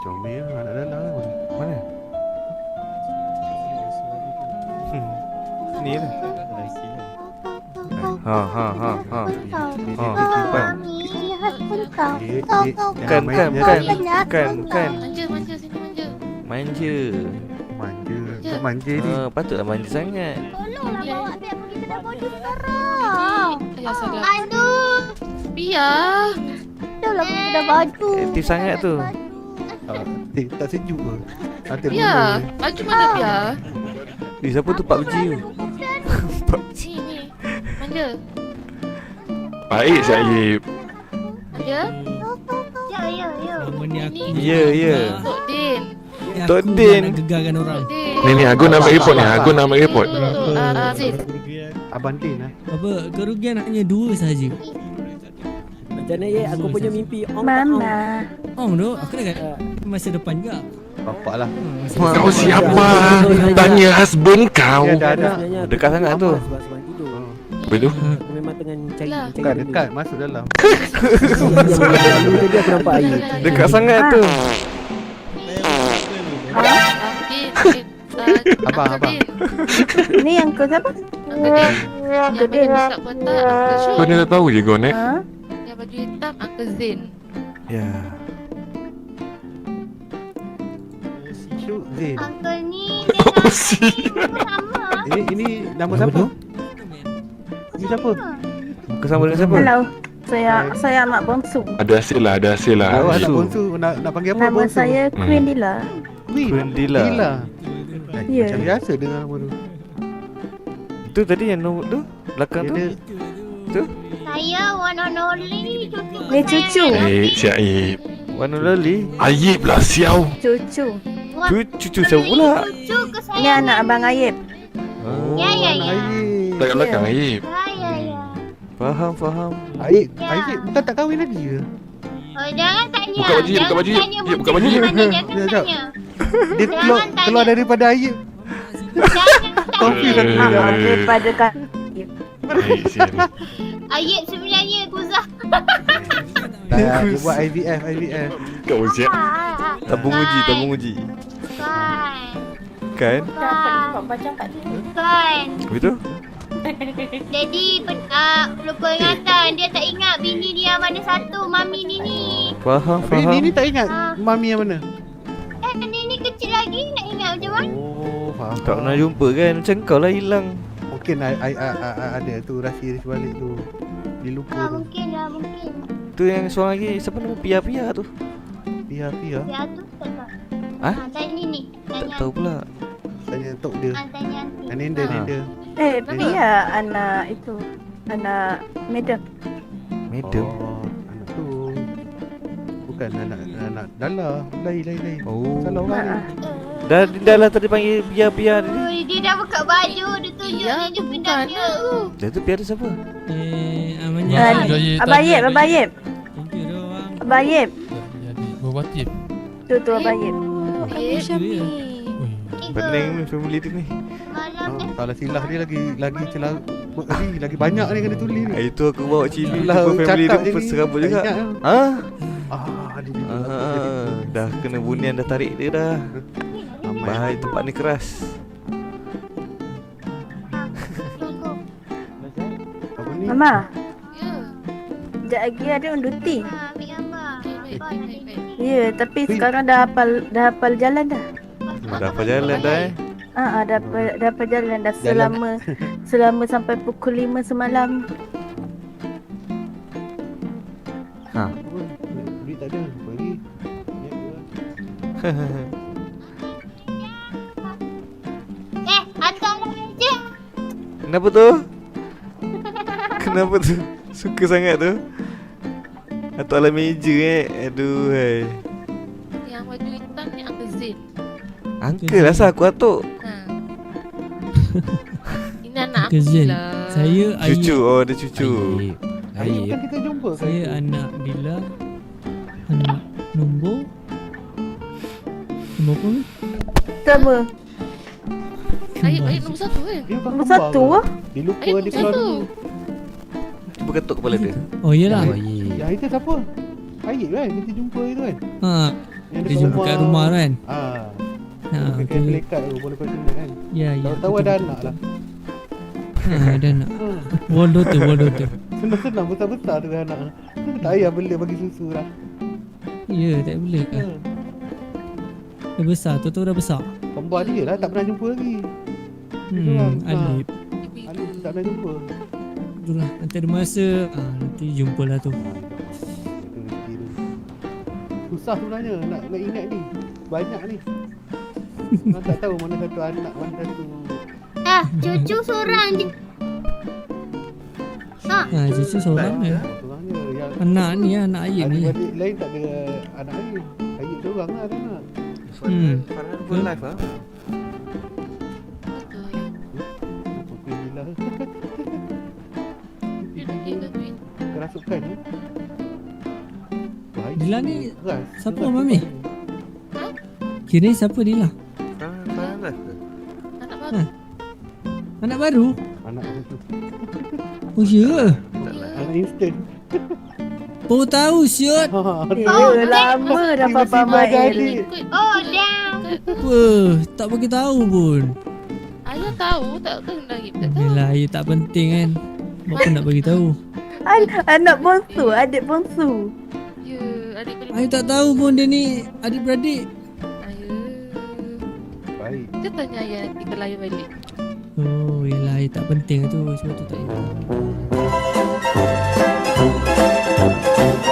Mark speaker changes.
Speaker 1: Comel anak dalam.
Speaker 2: Mana? Ni lah. Ha. Kan.
Speaker 3: Manja sini manja.
Speaker 2: Manja ni. Patutlah manja sangat.
Speaker 4: Tolonglah bawa Beb pergi kedai baju sekarang.
Speaker 3: Ya salah.
Speaker 4: Aduh.
Speaker 3: Biar.
Speaker 4: Tolonglah pergi kedai baju.
Speaker 2: Aktif sangat tu.
Speaker 1: Tak sejuk ke? Ada
Speaker 3: Biar. Baju mana biar?
Speaker 2: Siapa tu Pak Uji tu?
Speaker 3: Ni. Manja.
Speaker 5: Baik Syahib.
Speaker 3: Manja.
Speaker 4: Ya.
Speaker 2: Ya.
Speaker 3: Tok Din.
Speaker 2: Tok Din.
Speaker 6: Nak gegarkan orang.
Speaker 3: Tok Din.
Speaker 5: Ni aku nak ambil report ni. Aku nak ambil report.
Speaker 3: Zin.
Speaker 1: Abang Din lah.
Speaker 6: Apa kerugian hanya 2 sahaja.
Speaker 7: Macam mana ya? Aku punya mimpi
Speaker 4: Mama.
Speaker 6: Tu aku dah kata masa depan juga.
Speaker 1: Bapak lah.
Speaker 5: Kau siapa? Tanya husband kau.
Speaker 1: Ada.
Speaker 2: Dekat sangat tu.
Speaker 7: Sebab tidur.
Speaker 5: Betul?
Speaker 7: Memang tengah cari
Speaker 3: Lah.
Speaker 1: Dekat masuk dalam.
Speaker 7: Tadi aku nampak air.
Speaker 2: Dekat sangat tu.
Speaker 1: Abang.
Speaker 4: Ni yang kau siapa?
Speaker 3: Yang baju tak patah Uncle Syuk.
Speaker 5: Kau ni dah tahu je kau ni.
Speaker 3: Yang baju hitam Uncle Zain.
Speaker 2: Ya.
Speaker 1: Syuk Zain.
Speaker 4: Uncle ni
Speaker 5: Oh si.
Speaker 4: sama.
Speaker 1: Ini nama siapa? Ini siapa?
Speaker 2: Muka sama dengan siapa?
Speaker 8: Hello. Saya anak bongsu.
Speaker 5: Ada hasil lah.
Speaker 1: Oh, anak
Speaker 2: Bongsu.
Speaker 1: bongsu. Nak panggil apa
Speaker 8: Nama
Speaker 1: bongsu?
Speaker 8: saya Queen Dila.
Speaker 2: Queen Dila.
Speaker 8: Ya.
Speaker 1: Macam biasa dengar nama tu.
Speaker 2: Tu tadi yang nombor tu belakang tu.
Speaker 1: Dia
Speaker 2: Tu.
Speaker 4: Saya one and only cucu.
Speaker 8: Ni cucu.
Speaker 5: Syahib.
Speaker 2: Warna loli.
Speaker 5: Ayib lah siau.
Speaker 8: Cucu.
Speaker 2: Cucu siapa pula?
Speaker 4: Cucu ke saya?
Speaker 8: Ni anak abang Ayib.
Speaker 2: Oh,
Speaker 4: Ya.
Speaker 5: Dekat belakang Ayib.
Speaker 4: Ya.
Speaker 2: faham.
Speaker 1: Aib bukan tak kahwin lagi ke?
Speaker 4: Oh, jangan tanya.
Speaker 5: Buka baju,
Speaker 4: Jangan
Speaker 5: buka baju.
Speaker 4: tanya
Speaker 5: Ya, buka baju.
Speaker 4: Jangan
Speaker 1: Sekejap.
Speaker 4: tanya.
Speaker 1: Dia keluar daripada Aib. Confuse aku juga.
Speaker 8: Daripada kan.
Speaker 5: Baik sial.
Speaker 4: Ayat sebenarnya Guzah.
Speaker 1: Dia buat IVF.
Speaker 5: Kau siap.
Speaker 2: Tabung uji. Kan?
Speaker 4: Kan.
Speaker 2: Betul?
Speaker 4: Jadi lupa ingatan. Dia tak ingat bini dia mana satu. Mami ni.
Speaker 2: Faham.
Speaker 1: Ini tak ingat mami yang mana?
Speaker 4: Ni kecil lagi. Nak ingat macam mana?
Speaker 1: Oh, faham.
Speaker 2: Tak pernah jumpa kan? Macam kau lah hilang.
Speaker 1: Mungkin ada tu rahsia di sebalik tu. Dia lupa tu.
Speaker 4: Mungkin.
Speaker 2: Tu yang seorang lagi, siapa nama Pia tu?
Speaker 1: Pia.
Speaker 4: Ya tu tak tahu.
Speaker 2: Ah?
Speaker 4: Tanya ni.
Speaker 2: Tak tahu pula.
Speaker 1: Tanya tok dia.
Speaker 4: Tanya.
Speaker 1: Nenda.
Speaker 8: Dia anak itu. Anak Madam.
Speaker 2: Madam.
Speaker 1: Oh, anak tu. Bukan anak Dala. Lain.
Speaker 2: Oh.
Speaker 1: Salah orang ni.
Speaker 2: Dah lah tadi panggil Pia tadi.
Speaker 4: Dia dah buka baju. Dia tunjuk
Speaker 3: Ya,
Speaker 4: dia
Speaker 3: bukan
Speaker 4: benda dia.
Speaker 2: Dah tu Pia tu siapa?
Speaker 8: Abang Ayib.
Speaker 6: Thank you doang.
Speaker 8: Abang Ayib.
Speaker 9: Berbatif.
Speaker 8: Tu Abang Ayib.
Speaker 2: Pening ni family tu ni.
Speaker 1: Salah silah dia lagi celah. Lagi banyak ni kena tulis ni.
Speaker 2: Itu aku bawa cili
Speaker 1: Lah,
Speaker 2: lah family
Speaker 1: cakap
Speaker 2: tu
Speaker 1: je ni.
Speaker 2: serabut juga.
Speaker 1: Tak ingat
Speaker 2: Ha?
Speaker 1: Dia
Speaker 2: Dah kena bunian dah tarik dia dah. Bahaya tempat ni keras.
Speaker 1: Apa ni?
Speaker 8: Mama,
Speaker 3: Ya.
Speaker 8: sekejap lagi ada unduti.
Speaker 4: Ambil gambar.
Speaker 3: Baik.
Speaker 8: Ya, tapi sekarang dah hafal jalan dah.
Speaker 2: Dah apa jalan dah
Speaker 8: Dah hafal jalan dah selama sampai pukul 5 semalam.
Speaker 2: Ha.
Speaker 1: Duit tak ada. Bagi.
Speaker 4: Hantarlah meja.
Speaker 2: Kenapa tu? Kenapa tu? Suka sangat tu. Atuk alam meja Aduh hai.
Speaker 3: Yang baju hitam ni Uncle Zain.
Speaker 2: Uncle lah sah aku atuk.
Speaker 3: Ini anak aku
Speaker 6: Kezin.
Speaker 3: lah.
Speaker 6: Saya Ayib.
Speaker 2: Cucu. Oh dia cucu.
Speaker 1: Aib kan kita jumpa kan?
Speaker 6: Saya anak Dila. Anak nombor apa ni?
Speaker 8: Sama.
Speaker 3: Ayat nombor 1 kan?
Speaker 1: Dia bukan
Speaker 8: Nombor
Speaker 1: kembar
Speaker 8: 1
Speaker 1: ke?
Speaker 8: lah.
Speaker 1: Dia lupa
Speaker 3: Ayat
Speaker 1: dia keluar
Speaker 3: nombor
Speaker 1: dulu.
Speaker 2: Cuba ketuk kepala dia.
Speaker 6: Oh iyalah.
Speaker 1: Yang itu siapa? Aib kan kita jumpa itu kan?
Speaker 6: Ha.
Speaker 1: Yang
Speaker 6: Dia jumpa kat rumah tu kan. Ha,
Speaker 1: Pakai
Speaker 6: tu.
Speaker 1: pelekat tu boleh kau tengok kan.
Speaker 6: Ya, ya.
Speaker 1: Tahu-tahu
Speaker 6: betul,
Speaker 1: ada
Speaker 6: betul,
Speaker 1: anak
Speaker 6: betul.
Speaker 1: lah.
Speaker 6: Ha, ada anak. Wall daughter.
Speaker 1: Senang-senang besar-besar tu anak. Tak payah bela bagi susu lah.
Speaker 6: Ya, tak boleh kan. Dah besar, tu dah besar.
Speaker 1: Kembar dia lah tak pernah jumpa lagi.
Speaker 6: Alip.
Speaker 1: Alif tak pernah jumpa.
Speaker 6: Itulah, nanti ada masa nanti jumpalah tu.
Speaker 1: Susah sebenarnya nak ingat ni. Banyak ni. Orang tak tahu mana satu anak, mana satu.
Speaker 4: Cucu seorang je.
Speaker 6: Cucu seorang je.
Speaker 1: Seorangnya yang
Speaker 6: Anak ni, anak ayah ni.
Speaker 1: adik-adik lain tak ada anak lain. Ayah seorang lah ada anak.
Speaker 2: Farhan full life ah.
Speaker 1: Alhamdulillah.
Speaker 3: Dia lagi gangguin.
Speaker 1: Kerasukan ni.
Speaker 6: Dila ni
Speaker 1: keras.
Speaker 6: siapa,
Speaker 1: Keras
Speaker 6: Mami?
Speaker 1: tu.
Speaker 6: Kira siapa dia lah?
Speaker 2: Farhan life ke?
Speaker 3: Anak baru.
Speaker 6: Anak baru?
Speaker 1: Anak tu.
Speaker 6: Oh ya.
Speaker 2: Tak lah.
Speaker 1: Anak instant.
Speaker 6: Baru tahu siot.
Speaker 8: Lama dah Papa Mail.
Speaker 4: Oh, dah.
Speaker 6: Apa? Tak bagi tahu pun.
Speaker 3: Ayah tahu takkan lagi tak tahu.
Speaker 6: Yelah, ia tak penting kan. Apa nak bagi tahu?
Speaker 8: Anak bongsu, adik bongsu.
Speaker 3: Ya, adik boleh.
Speaker 6: Ayah tak tahu pun dia ni adik-beradik.
Speaker 3: Ayah.
Speaker 1: Baik.
Speaker 3: Kita tanya ayah nanti kalau ayah balik.
Speaker 6: Oh, yelah, ia tak penting tu. Sebab tu tak ingat.